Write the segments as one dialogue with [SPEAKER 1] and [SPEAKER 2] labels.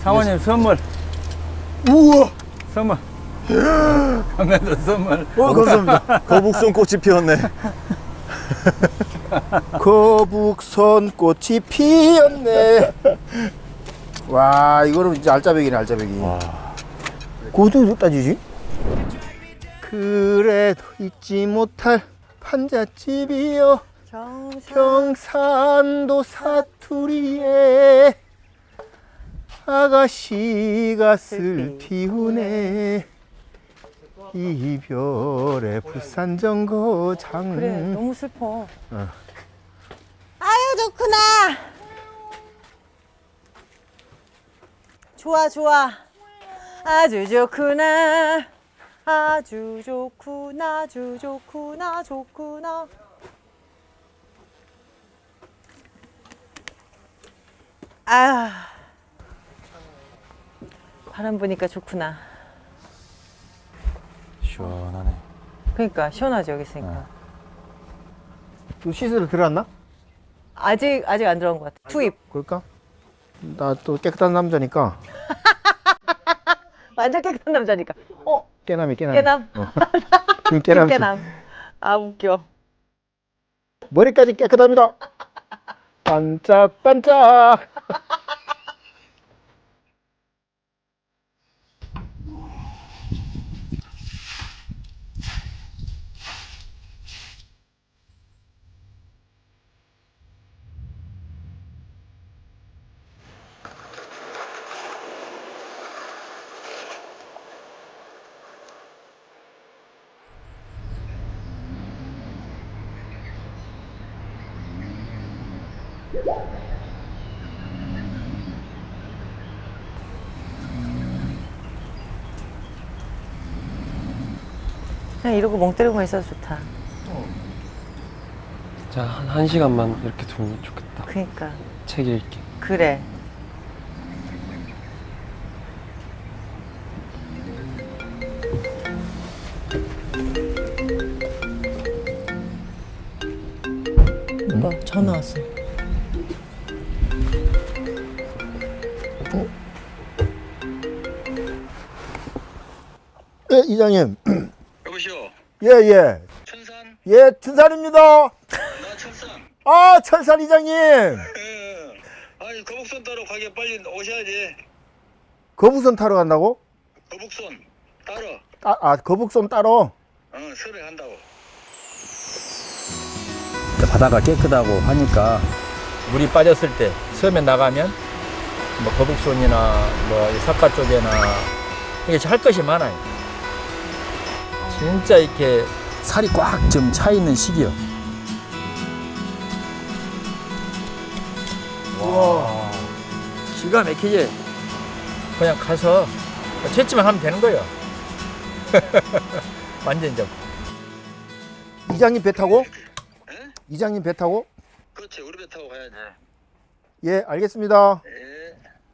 [SPEAKER 1] 사모님 선물.
[SPEAKER 2] 우와.
[SPEAKER 1] 선물. 강남도 선물.
[SPEAKER 2] 감사합니다.
[SPEAKER 3] 거북선 꽃이 피었네.
[SPEAKER 2] 거북선 꽃이 피었네. 와, 이거는 진짜 알짜배기네, 알짜배기. 그것도 어디다 주지? 그래도 잊지 못할 판잣집이여 경산도 사투리에 아가씨가 슬피우네 이별의 부산정거장.
[SPEAKER 4] 그래, 너무 슬퍼. 아유, 좋구나. 좋아, 좋아. 아주 좋구나. 아주 좋구나. 아주 좋구나. 좋구나. 아, 바람 부니까 좋구나.
[SPEAKER 3] 시원하네.
[SPEAKER 4] 그러니까 시원하죠, 여기 있으니까.
[SPEAKER 2] 또 씻으러 들어왔나?
[SPEAKER 4] 아직 안 들어온 것 같아. 투입.
[SPEAKER 2] 그럴까? 나 또 깨끗한 남자니까.
[SPEAKER 4] 완전 깨끗한 남자니까.
[SPEAKER 2] 깨남이.
[SPEAKER 4] 깨남.
[SPEAKER 2] 지금 깨남.
[SPEAKER 4] 깨남. 아, 웃겨.
[SPEAKER 2] 머리까지 깨끗합니다. 반짝반짝.
[SPEAKER 4] 그냥 이러고 멍 때리고만 있어도 좋다.
[SPEAKER 5] 자, 한 시간만 이렇게 두면 좋겠다.
[SPEAKER 4] 그니까.
[SPEAKER 5] 책 읽기.
[SPEAKER 4] 그래. 뭐 전화 왔어.
[SPEAKER 2] 예, 이장님.
[SPEAKER 6] 여보시오.
[SPEAKER 2] 예.
[SPEAKER 6] 천산?
[SPEAKER 2] 예, 춘산입니다.
[SPEAKER 6] 나 천산.
[SPEAKER 2] 아, 천산 이장님.
[SPEAKER 6] 아니 거북선 따러 가게 빨리 오셔야지.
[SPEAKER 2] 거북선 타러 간다고?
[SPEAKER 6] 거북선 따러.
[SPEAKER 2] 거북선 따러.
[SPEAKER 6] 설에 간다고.
[SPEAKER 1] 바다가 깨끗하고 하니까 물이 빠졌을 때 섬에 나가면 뭐 거북손이나 뭐 사카 쪽에나 이게 할 것이 많아요. 진짜 이렇게 살이 꽉 좀 차 있는 시기요. 와, 기가 막히지. 그냥 가서 채취만 하면 되는 거예요. 완전 좀.
[SPEAKER 2] 이장님 배 타고?
[SPEAKER 6] 에?
[SPEAKER 2] 이장님 배 타고?
[SPEAKER 6] 그렇지 우리 배 타고 가야지.
[SPEAKER 2] 예, 알겠습니다.
[SPEAKER 6] 예.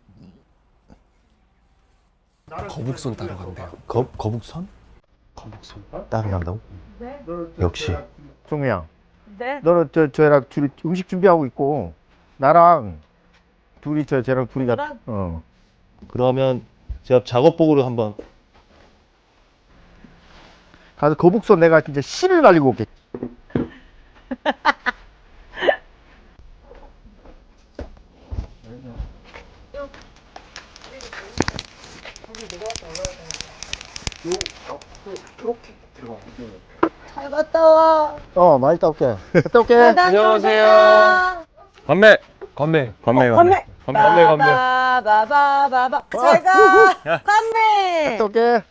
[SPEAKER 5] 거북선 따러 간대요.
[SPEAKER 3] 거북선?
[SPEAKER 5] 거북선.
[SPEAKER 3] 따로 간다고? 역시.
[SPEAKER 2] 종미야,
[SPEAKER 4] 네.
[SPEAKER 2] 너는 저랑 둘이 음식 준비하고 있고 나랑 둘이 쟤랑 둘이 가.
[SPEAKER 3] 그러면 제가 작업복으로 한번.
[SPEAKER 2] 가서 거북선 내가 진짜 씨를 날리고 올게.
[SPEAKER 4] 잘 갔다 와.
[SPEAKER 2] 많이 갔다 올게. 갔다 올게.
[SPEAKER 5] 안녕하세요. 건배. 건배.
[SPEAKER 4] 건배. 바바바바. 잘 가. 건배.
[SPEAKER 2] 갔다 올게.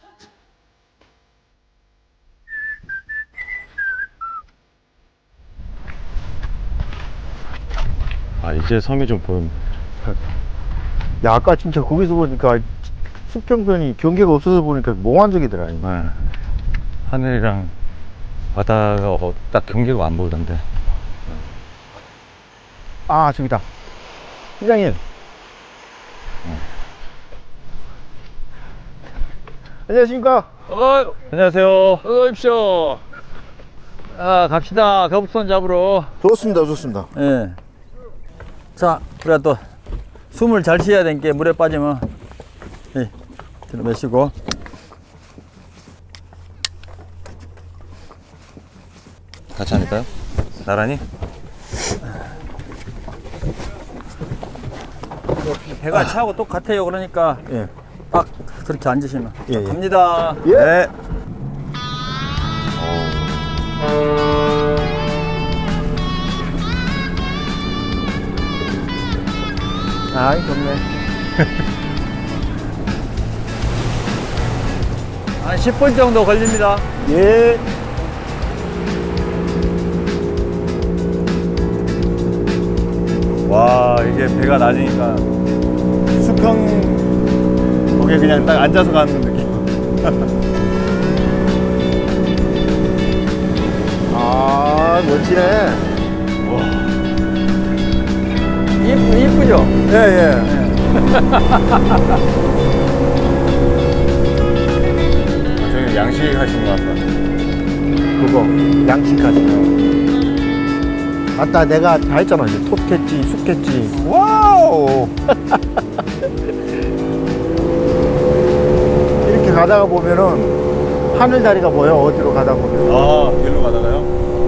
[SPEAKER 3] 아, 이제 섬이 좀 보입니다.
[SPEAKER 2] 야, 아까 진짜 거기서 보니까 수평선이 경계가 없어서 보니까 몽환적이더라.
[SPEAKER 3] 네. 하늘이랑 바다가 딱 경계가 안 보이던데.
[SPEAKER 2] 아, 저기다. 이장님. 안녕하십니까?
[SPEAKER 3] 안녕하세요.
[SPEAKER 1] 어서 오십시오. 갑시다. 거북선 잡으러.
[SPEAKER 2] 좋습니다.
[SPEAKER 1] 예. 자, 우리가 또 숨을 잘 쉬어야 되니까 물에 빠지면 뒤로 매시고.
[SPEAKER 3] 같이 앉을까요? 나란히?
[SPEAKER 1] 배가 차하고 똑같아요. 그러니까
[SPEAKER 2] 예.
[SPEAKER 1] 딱 그렇게 앉으시면.
[SPEAKER 2] 예, 예.
[SPEAKER 1] 갑니다.
[SPEAKER 2] 예.
[SPEAKER 3] 네.
[SPEAKER 2] 아이, 좋네.
[SPEAKER 1] 한 10분 정도 걸립니다.
[SPEAKER 2] 예.
[SPEAKER 3] 와, 이게 배가 낮으니까 수평 거기에 그냥 딱 앉아서 가는 느낌.
[SPEAKER 2] 아, 멋지네.
[SPEAKER 1] 이쁘죠?
[SPEAKER 2] 예, 예.
[SPEAKER 3] 저희 양식 하신 것 같다.
[SPEAKER 2] 그거, 양식하시네. 아따, 내가 다 했잖아. 이제 톱캐치, 숲캐치. 와우! 이렇게 가다가 보면은 하늘다리가 보여. 어디로 가다 보면.
[SPEAKER 3] 아, 길로 가다가요?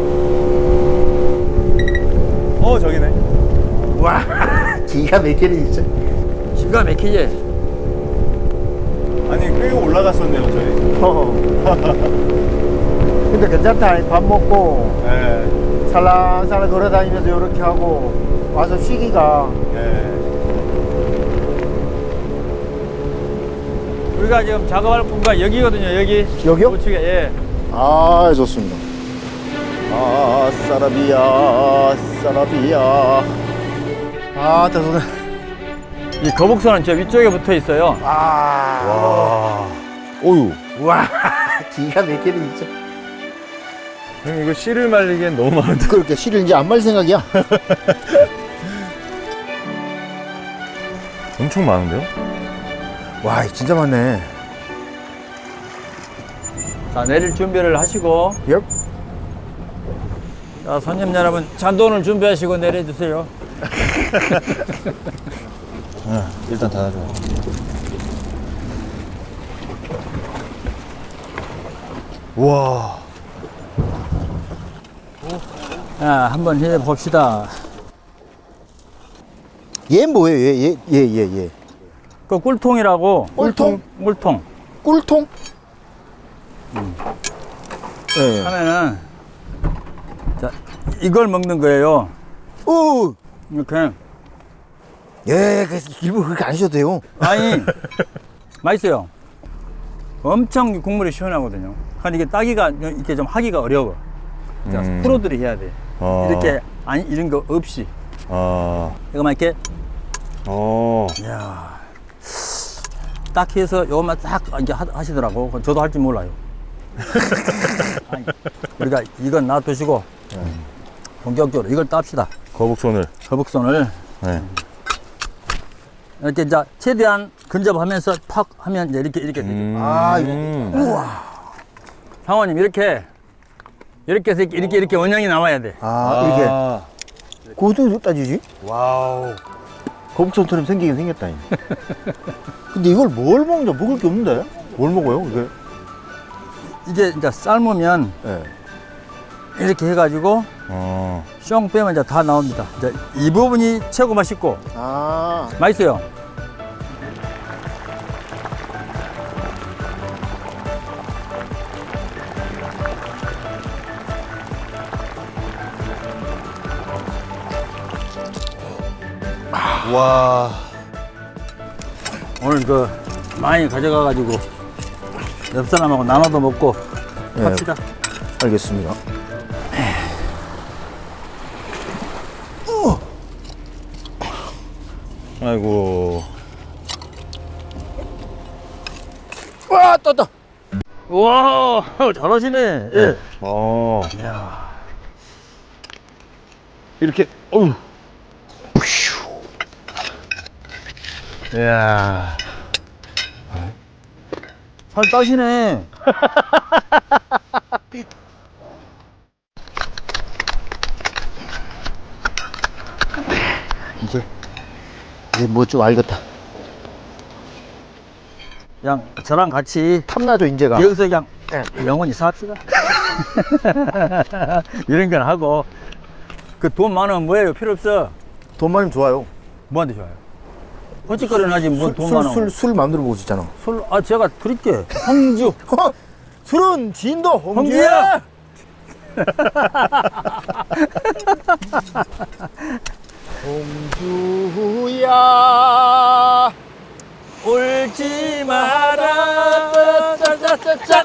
[SPEAKER 3] 저기네.
[SPEAKER 2] 와, 기가 막히네, 진짜.
[SPEAKER 1] 기가 막히지?
[SPEAKER 3] 아니, 꽤 올라갔었네요, 저희.
[SPEAKER 2] 근데 괜찮다. 밥 먹고
[SPEAKER 3] 네.
[SPEAKER 2] 살랑살랑 걸어 다니면서 이렇게 하고 와서 쉬기가.
[SPEAKER 3] 네.
[SPEAKER 1] 우리가 지금 작업할 공간 여기거든요. 여기.
[SPEAKER 2] 여기요?
[SPEAKER 1] 우측에. 예.
[SPEAKER 2] 아, 좋습니다. 아, 사라비야, 사라비야. 아, 대단해.
[SPEAKER 1] 이 거북선은 저 위쪽에 붙어 있어요.
[SPEAKER 2] 아,
[SPEAKER 3] 와. 오유.
[SPEAKER 2] 와, 기가 막히네, 진짜.
[SPEAKER 3] 형님, 이거 씨를 말리기엔 너무 많은데.
[SPEAKER 2] 그렇게 실을 이제 안 말 생각이야.
[SPEAKER 3] 엄청 많은데요?
[SPEAKER 2] 와, 진짜 많네.
[SPEAKER 1] 자, 내릴 준비를 하시고.
[SPEAKER 2] 엽.
[SPEAKER 1] 자, 손님 여러분, 잔돈을 준비하시고 내려주세요.
[SPEAKER 3] 일단 닫아줘. 우와.
[SPEAKER 1] 자, 한번 해봅시다.
[SPEAKER 2] 얘 뭐예요? 얘.
[SPEAKER 1] 그 꿀통이라고.
[SPEAKER 2] 꿀통?
[SPEAKER 1] 꿀통.
[SPEAKER 2] 꿀통? 예.
[SPEAKER 1] 하면은, 자, 이걸 먹는 거예요.
[SPEAKER 2] 오!
[SPEAKER 1] 이렇게.
[SPEAKER 2] 예, 일부 그렇게 안 하셔도 돼요.
[SPEAKER 1] 아니, 맛있어요. 엄청 국물이 시원하거든요. 근데 이게 따기가 이렇게 좀 하기가 어려워. 그러니까 프로들이 해야 돼. 이렇게, 아니, 이런 거 없이. 이거만 이렇게, 이야. 딱 해서 요것만 딱 이렇게 하시더라고. 저도 할 줄 몰라요. 아니, 우리가 이건 놔두시고, 본격적으로 이걸 땁시다.
[SPEAKER 3] 거북손을.
[SPEAKER 1] 거북선을.
[SPEAKER 3] 네.
[SPEAKER 1] 이렇게 이제 최대한 근접하면서 팍 하면 이제 이렇게 되죠.
[SPEAKER 2] 아, 이거.
[SPEAKER 1] 상호님 이렇게 해서 이렇게 원형이 나와야 돼.
[SPEAKER 2] 아, 이렇게. 그것도 따지지?
[SPEAKER 3] 와우.
[SPEAKER 2] 거북선처럼 생기긴 생겼다. 근데 이걸 뭘 먹냐? 먹을 게 없는데? 뭘 먹어요, 이게?
[SPEAKER 1] 이게 이제 삶으면
[SPEAKER 2] 예.
[SPEAKER 1] 이렇게 해가지고 숑 빼면 이제 다 나옵니다. 이제 이 부분이 최고 맛있고
[SPEAKER 2] 아,
[SPEAKER 1] 맛있어요.
[SPEAKER 3] 와.
[SPEAKER 1] 오늘 그 많이 가져가가지고 옆 사람하고 나눠도 먹고
[SPEAKER 2] 예.
[SPEAKER 1] 합시다.
[SPEAKER 2] 알겠습니다.
[SPEAKER 3] 아이고.
[SPEAKER 2] 와, 떴다.
[SPEAKER 1] 우와, 잘하시네. 예.
[SPEAKER 3] 이렇게, 어우. 이야.
[SPEAKER 1] 잘 따시네.
[SPEAKER 2] 이제 뭐 좀 알겠다.
[SPEAKER 1] 그냥 저랑 같이
[SPEAKER 2] 탐나죠, 인제가.
[SPEAKER 1] 여기서 그냥 영원히 삽시다. 이런 건 하고. 그 돈 많으면 뭐예요? 필요 없어.
[SPEAKER 2] 돈 많으면 좋아요.
[SPEAKER 1] 뭐한테 좋아요? 헛짓거리는 하지 뭐 돈 많으면.
[SPEAKER 2] 술 만들어 먹을 수 있잖아.
[SPEAKER 1] 술, 아, 제가 드릴게. 홍주.
[SPEAKER 2] 술은 진도
[SPEAKER 1] 홍주야!
[SPEAKER 2] 홍주야.
[SPEAKER 1] 울지 마라. 짜짜짜짜.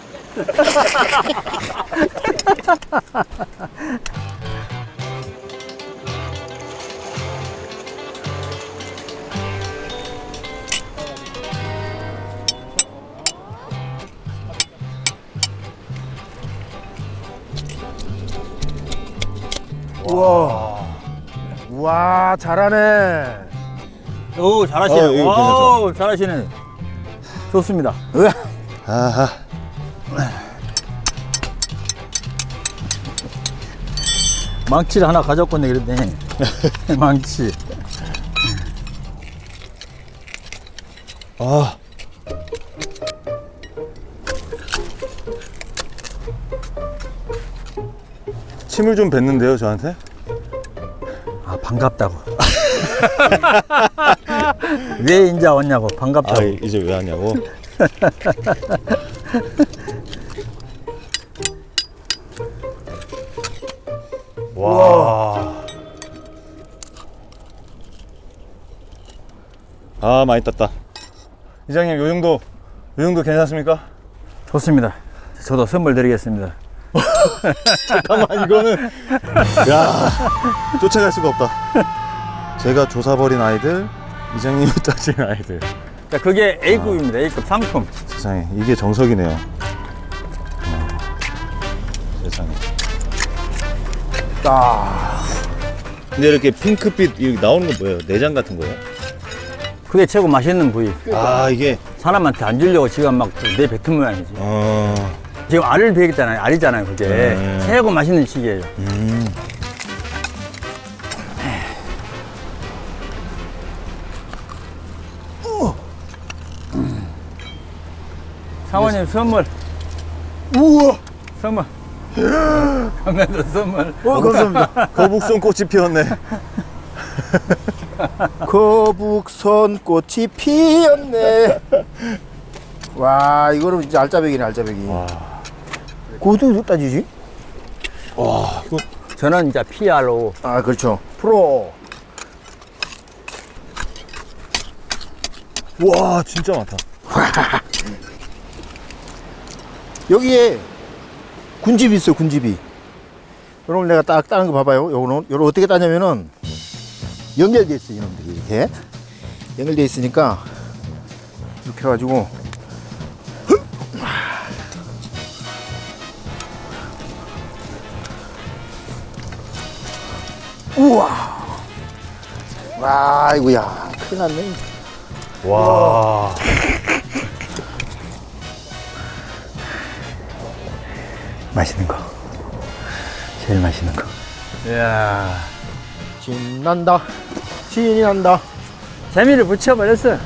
[SPEAKER 2] 와, 잘하네.
[SPEAKER 1] 오, 잘하시네.
[SPEAKER 3] 이거
[SPEAKER 1] 오, 잘하시네. 좋습니다.
[SPEAKER 3] 아하.
[SPEAKER 1] 망치를 하나 가져왔네, 그랬네. 망치.
[SPEAKER 3] 아. 침을 좀 뱉는데요, 저한테?
[SPEAKER 1] 아, 반갑다고. 왜 인자 왔냐고, 반갑다고.
[SPEAKER 3] 아, 이제 왜 하냐고? 와. 아, 많이 땄다. 이장님, 요 정도 괜찮습니까?
[SPEAKER 1] 좋습니다. 저도 선물 드리겠습니다.
[SPEAKER 3] 잠깐만, 이거는. 야, 쫓아갈 수가 없다. 제가 조사버린 아이들, 이장님이 따진 아이들.
[SPEAKER 1] 자, 그게 A급입니다. A급 상품.
[SPEAKER 3] 세상에, 이게 정석이네요. 세상에. 근데 이렇게 핑크빛 이렇게 나오는 건 뭐예요? 내장 같은 거예요?
[SPEAKER 1] 그게 최고 맛있는 부위.
[SPEAKER 3] 아, 이게.
[SPEAKER 1] 사람한테 안 주려고 지금 막 내뱉은 모양이지. 지금 알을 베겠잖아요. 알이잖아요, 그게. 최고 맛있는 시기예요. 사모님 선물.
[SPEAKER 2] 우와.
[SPEAKER 1] 선물. 감사합니다. 선물.
[SPEAKER 2] 감사합니다.
[SPEAKER 3] 거북선 꽃이 피었네.
[SPEAKER 2] 거북선 꽃이 피었네. 와, 이거는 진짜 알짜배기네, 알짜배기. 그거 어떻게 따지지?
[SPEAKER 3] 와, 이거.
[SPEAKER 1] 저는 이제 PR로.
[SPEAKER 2] 아, 그렇죠. 프로.
[SPEAKER 3] 와, 진짜 많다.
[SPEAKER 2] 여기에 군집이 있어요, 군집이. 여러분, 내가 딱 따는 거 봐봐요. 요거는 어떻게 따냐면은 연결돼 있어요, 이놈들이. 이렇게 연결돼 있으니까 이렇게 해가지고 우와. 와, 이거야, 큰일 났네.
[SPEAKER 3] 와.
[SPEAKER 1] 맛있는 거. 제일 맛있는 거.
[SPEAKER 3] 이야.
[SPEAKER 2] 신난다, 신이 난다.
[SPEAKER 1] 재미를 붙여버렸어.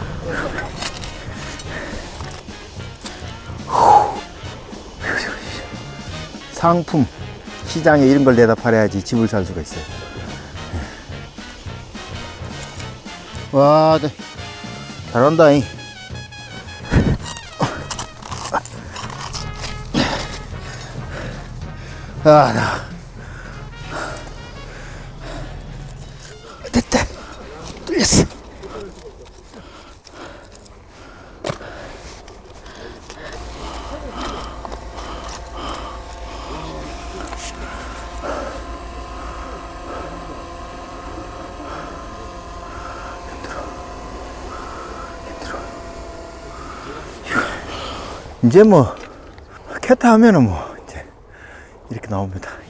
[SPEAKER 2] 상품 시장에 이런 걸 내다 팔아야지 집을 살 수가 있어요. 와, 네. 잘한다잉. 아, 나. 됐다. 뚫렸어. 이제 뭐 캐타 하면은 뭐 이제 이렇게 나옵니다.